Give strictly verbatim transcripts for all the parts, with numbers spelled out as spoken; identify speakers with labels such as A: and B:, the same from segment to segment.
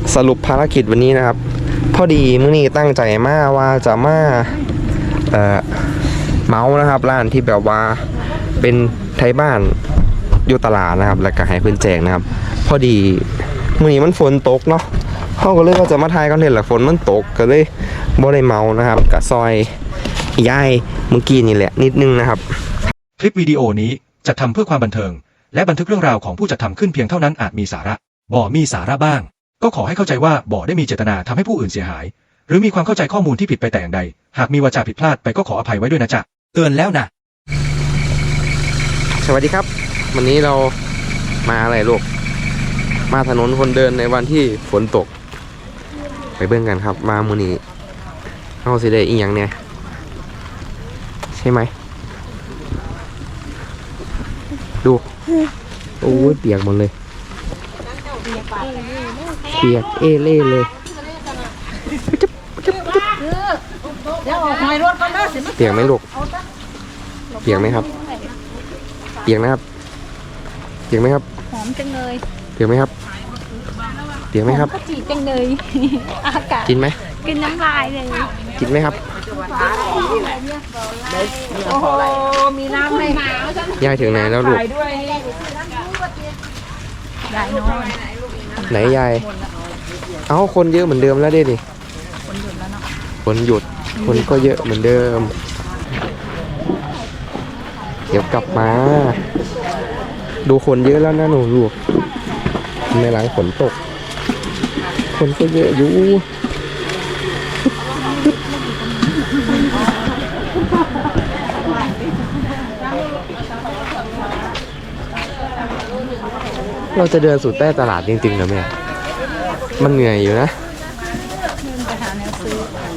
A: สรุปภารกิจวันนี้นะครับพอดีมื้อนี้ตั้งใจมาว่าจะมาเอ่อเมาส์นะครับร้านที่แบบว่าเป็นไทยบ้านอยู่ตลาดนะครับแล้วก็ให้เพื่อนแจกนะครับพอดีมื้อนี้มันฝนตกเนาะเขาก็เลยว่าจะมาถ่ายคอนเทนต์แหละฝนมันตกก็เลยบ่ได้เมานะครับกับซอยย่ายเมื่อกี้นี่แหละนิดนึงนะครับ
B: คลิปวิดีโอนี้จัดทำเพื่อความบันเทิงและบันทึกเรื่องราวของผู้จัดทำขึ้นเพียงเท่านั้นอาจมีสาระบ่มีสาระบ้างก็ขอให้เข้าใจว่าบ่ได้มีเจตนาทำให้ผู้อื่นเสียหายหรือมีความเข้าใจข้อมูลที่ผิดไปแต่อย่างใดหากมีวาจาผิดพลาดไปก็ขออภัยไว้ด้วยนะจ๊ะเตือนแล้วนะ
A: สวัสดีครับวันนี้เรามาอะไรลูกมาถนนคนเดินในวันที่ฝนตกไปเบิ่งกันครับมามื้อนี้เอาสิได้อีหยังเนี่ยใช่ไหมดูโอ้ยเปียกหมดเลยเปียกเอเล่เลยเปียกไหมลูกเปียกไหมครับเปียกนะครับเปียกไหมครับ
C: หอมจังเลย
A: เปียกไหมครับเปียกไหมครับ
C: จีจังเลยอากาศ
A: กินไหม
C: กินน้ำลายเลย
A: กินไหมครับ
C: โอ้โหมีน้ำไหม
A: ยายถึงไหนแล้วลูก
C: ยายนอน
A: ไหนยายเอ้าคนเยอะเหมือนเดิมแล้วดิคนหยุดแล้วเนาะคนหยุดคนก็เยอะเหมือนเดิมเดี๋ยวกลับมาดูคนเยอะแล้วนะหนูลูกในหลังฝนตกคนก็เยอะอยู่เราจะเดินสู่ใต้ตลาดจริงๆเหรอแม่มันเหนื่อยอยู่นะ
C: ไปหาแนวซื้อ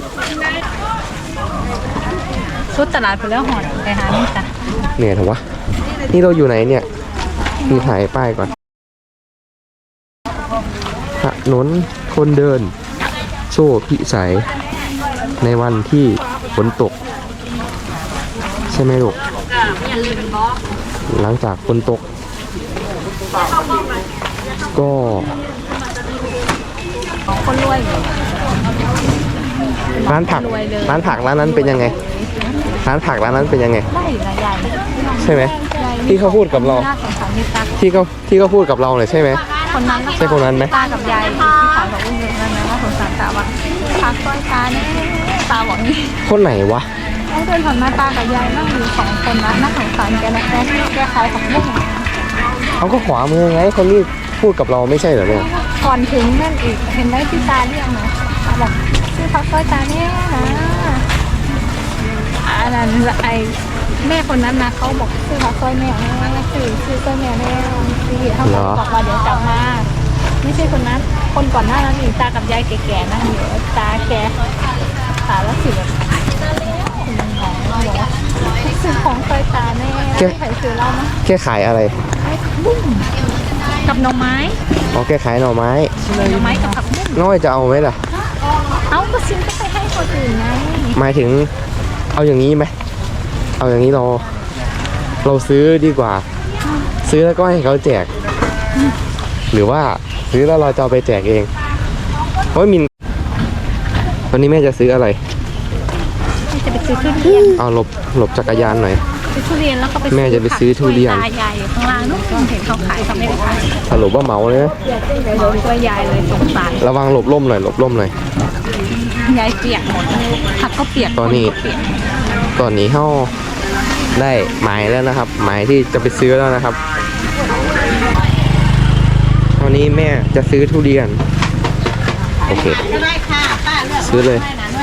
C: ชุดตลาดไปแล้วหอดไปหานี่จ้ะ
A: เหนื่อยเหรอวะนี่เราอยู่ไหนเนี่ยมีถ่ายป้ายก่อนถนนคนเดินโซ่พิสัยในวันที่ฝนตกใช่ไหมลูกหลังจากฝนตกก็
C: คนรวย
A: ร้านผักร้านผักร้านนั้นเป็นยังไงร้านผักร้านนั้นเป็นยังไง
C: ได้นะใหญ่
A: ใช่ไหมที่เขาพูดกับเราที่เขาที่เขาพูดกับเราเลยใช่ไหม
C: คนนั้น
A: ใช่คนนั้นไหม
C: ตากับยายที่ขายของอุ้งเงินนั่นนะว่าสงสารตาว่าพักต้อยตาเนี่ยตาบอกนี่
A: คนไหนวะ
C: เขาเดินผ่านมาตากับยายนั่งอยู่สองคนนะน่าสงสารแกนะแกแกขายของอุ้ง
A: เขาก็ขวามือไงคนนี้พูดกับเราไม่ใช่เหรอเนี่ย
C: ก่อนถึงนั่นอีกเห็นไหมที่ตาเรียกนะตาบอกชื่อพักต้อยตาเนี่ยนะอันนั้นไอแม่คนนั้นนะเขาบอกชื่อพักต้อยแม่ชื่อชื่อต้อยแม่แม่ที่เขาบอกว่าเดี๋ยวจะมาไม่ใช่คนนั้นคนก่อนหน้านั้นอีกตากับยายแก่ๆนั่งอยู่ตาแกตาแล้วสิแบบซื้อของต้อยตาแม่ใครซื้อเล่านะ
A: แค่ขายอะไร
C: บุ้งกับหน่อไม้
A: อ๋อแค่ขายหน่อไม้
C: หน่อไม้กับผักบุ้ง
A: น้อยจะเอาไหมล่ะ
C: เอาก็ซื้อก็ไปให้คนอื่นไง
A: หมายถึงเอาอย่างนี้ไหมเอาอย่างนี้เราเราซื้อดีกว่าซื้อแล้วก็ให้เขาแจกหรือว่าซื้อแล้วเราจะเอาไปแจกเองเพราะมินวันนี้แม่จะซื้ออะไร
C: จะไปซื้อทุเรียน
A: เอาหลบหลบจักรยานหน่อย
C: ซื้อทุเรียนแล้วก็ไป
A: แม่จะไปซื้อทุเรียน
C: ตายายอยู่ข้างล่างนู้นเห็นเขาขายเขาไม่ได้ขาย
A: สรุปว่าเมาเลยนะ
C: โดนตัวยายเลยสงสาร
A: ระวังหลบล่มหน่อยหลบล่มหน่อย
C: ยายเปียกหมดผักก็เปียก
A: ตอนนี้ตอนนี้เขาได้หมายแล้วนะครับหมายที่จะไปซื้อแล้วนะครับตอนนี้แม่จะซื้อทุเรียนโอเคซื้อเลย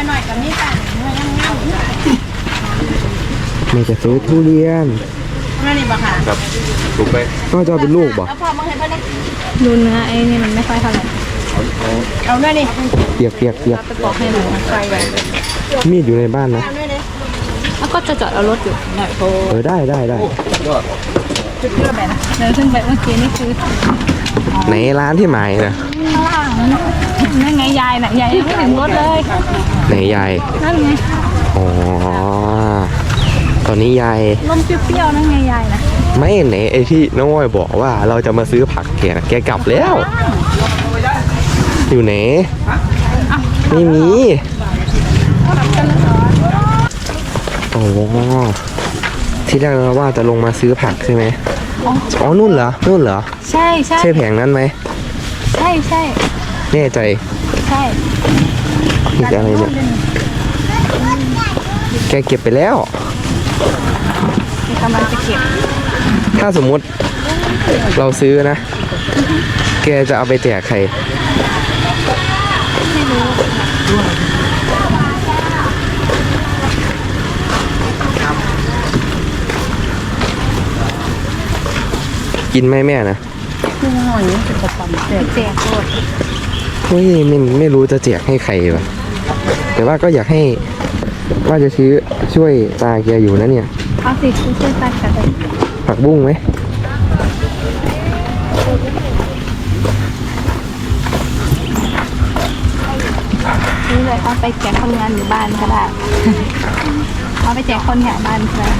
A: แม่จะซื้อทุเรียนครับถูกไปก็จะเป็นลูกบ่
C: ดูเนื้อไอ้นี่มันไม่ค่อยเท่าไหร่เอาเนื้อนี่
A: เปียกเปียกเปียก
C: ไปบอกให้หนูใส่ไว้
A: มีดอยู่ในบ้านนะ
C: แล้วก็จะจอดเอารถอยู่หน่อยโ
A: เออได้ได้ได้
C: จุดเชื่อแบบนะเดินขึ้นไปเมื่อกี้นี่คือ
A: ไหนร้านที่หมายนะ
C: ข้างล่างนั่นไงยายน่ะยายยังไม่ถึงรถเลย
A: ไหนยาย
C: นั่นไง
A: อ๋อตอนนี้ยาย
C: ลมเปรี้ยวๆนั่นไงยายนะ
A: ไม่ไหนไอ้ที่น้องอ้อยบอกว่าเราจะมาซื้อผักแกแกกลับแล้วอยู่ไหนไม่มีโอ้ที่แรกเราว่าจะลงมาซื้อผักใช่ไหมอ๋อนู่นเหรอนู่นเหรอ
C: ใช่ใช่
A: ใช่แผงนั้นไหม
C: ใช่ใช่
A: แน่ใจ
C: ใช่
A: นี่คืออะไรเนี่ยแกเก็บไปแล้ว
C: กำลังจะเก็บ
A: ถ้าสมมุติเราซื้อนะ แกจะเอาไปแจกใคร
C: ไม่รู้
A: กินไหมแม่นะ
C: แจกหมด
A: เฮ้ยไม่ไม่รู้จะแจกให้ใครวะแต่ว่าก็อยากให้ว่าจะซื้อช่วยตาแกอยู่นะเนี่ย
C: เอาสิคุณช่วยตัดกันเลย
A: ผักบุ้งไหม
C: นี่เลยเอาไปแจกคนงานอยู่บ้านก็ได้ เอาไปแจกคนแถวบ้านก็ได้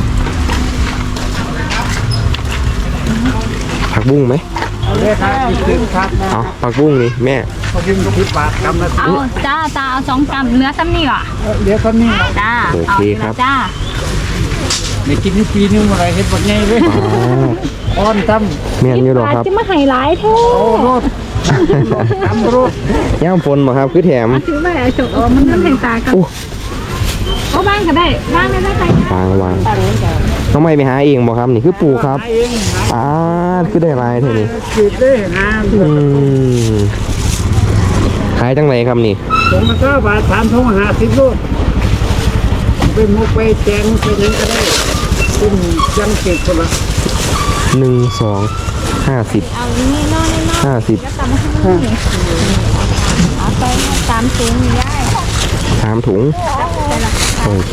A: ผักบุ้งไหม
D: เลยครับอีกครึ่งครับนะ
A: เอาผักบุ้งนี่แม่
D: เขาพิมพ์สิบบาทกำละ
C: เอาจ้าจ้าเอาสองกำเนื้อซ้ำนี่ว่ะ
D: เดี๋ยวเขานี่
C: จ้า
A: โอเคครับ
C: จ้า
D: ในกินนี่ปีนึงอะไรเห็ดบดไงเลย
A: อ๋อ
D: อ้อนตั้ม
A: แม่นอยู่หรอครับ
C: จะมาไฮไลท์เท่
D: โอ้รถตั้มรถ
A: ย่ามฝนบ่ครับคือแถม
C: ถือไปไอ้จบอ๋อมันมันแห่งตากัน
A: โอ้
C: เอาบ้านก็ได้บ้านได้ได้ไหม
A: วางวางน้องไม่ไปหาเองบ่ครับนี่คือปลูกครับ
D: หาเองหา
A: อ่าคือได้ลายเท่านี้
D: ขีดเลยหา
A: อืมขายจังไหนครับนี่
D: ผมมันก็บาทสามทงหาสิบรถไปมุกไปแจงไปยังก็ได้ขึ้นยังเก็บคนละ
A: หนึ่งสองห้าสิบ
C: เอานี่นอนนี่นอน
A: ห้าสิบ
C: แล้วกลับมาข้างนอกนี่เอาไปตามซุ้มนี่ได้
A: สามถุง โอเค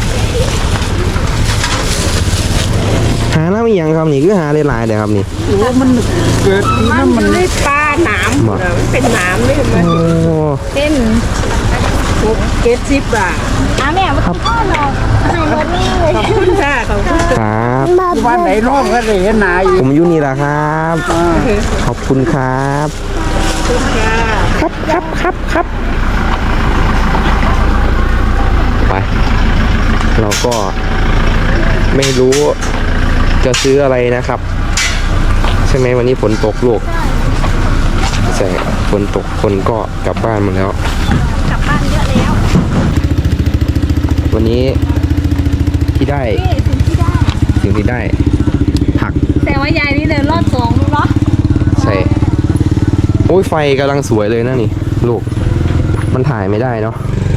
A: หาน้ำอีหยังครับนี่คือหาหลายๆเดี๋ยวครับนี่
D: โอ้มันเกิดปีนั้นมัน
E: ไม่ปลาหนาม
A: บ่
E: มันเป็นหนามนี่มัน
A: โอ้
C: เต้น
E: หกเจ็ดสิบบาท
C: อาแม่มากินข้าวเราให้รถนี่เลย
E: ขอบคุณค่ะขอบคุณ
A: ครับ
D: บ้านไหนร่องก็เลยเห็นหนาอยู่
A: ผมอยู่นี่แหละครับ
D: อ่า
A: ขอบคุณครับ
E: ค่ะ
A: ครับครับครับครับไป เราก็ไม่รู้จะซื้ออะไรนะครับ ใช่ไหมวันนี้ฝนตกลูกใช่ฝนตกคนก็กลับบ้านหมดแล้ว
C: กลับบ้านเยอะแล้ว
A: วันนี้ที่ได้
C: นี่สิ่งที่ได้
A: สิ่งที่ได้ ผัก
C: แต่ว่ายายนี่เดินรอดสองลูกเนาะ
A: ใช่โอ้ยไฟกำลังสวยเลยนะนี่ ลูก มันถ่ายไม่ได้เนาะ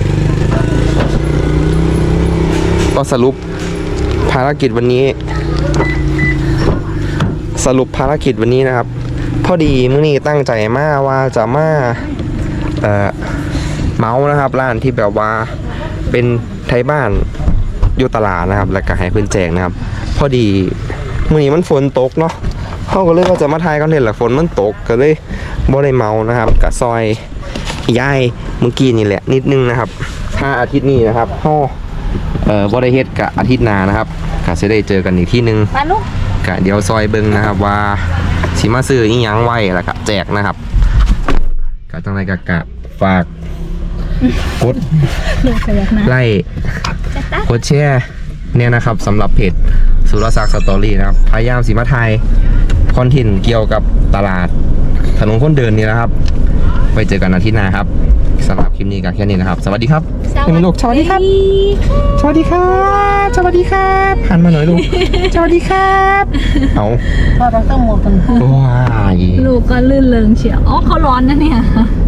A: ก็สรุปภารกิจวันนี้ สรุปภารกิจวันนี้นะครับ พอดีมื้อนี้ตั้งใจมาว่าจะมาเอ่อเมาส์นะครับร้านที่แบบว่าเป็นไทยบ้านอยู่ตลาดนะครับ แล้วก็ให้เพื่อนแจกนะครับ พอดีมื้อนี้มันฝนตกเนาะเขาก็เลยว่าจะมาถ่ายคอนเทนต์แหละฝนมันตกก็เลยบ่ได้เมานะครับกับซอยย่ายเมื่อกี้นี่แหละนิดนึงนะครับ ถ้าอาทิตย์นี้นะครับเฮาเอ่อบ่ได้เฮ็ดกับอาทิตย์หน้านะครับก็จะได้เจอกันอีกที่นึง
C: มาลูก
A: กะเดี๋ยวซอยเบิงนะครับว่าสิมาซื้ออีหยังไว้แล้วก็แจกนะครับกะจังไรกะกะฝากกด
C: ลูกขยักนะ
A: ไล่กดแชร์เนี่ยนะครับสำหรับเพจสุรศักดิ์สตอรี่นะครับพยายามสิมาไทยคอนเทนต์เกี่ยวกับตลาดถนนคนเดินนี่นะครับไปเจอกันอาทิตย์หน้าครับสำหรับคลิปนี้ก็แค่นี้นะครับ สวัสดีครับเป็นลูกสวัสดีครับ สวัสดีครับ สวัสดีครับหันมาหน่อยลูก สวัสดีครับ เอา
E: พ่อต้องต้องหมดกัน
A: ว้าย
C: ลูกก็ลื่นเริงเชียวอ๋อเขาร้อนนะเนี่ย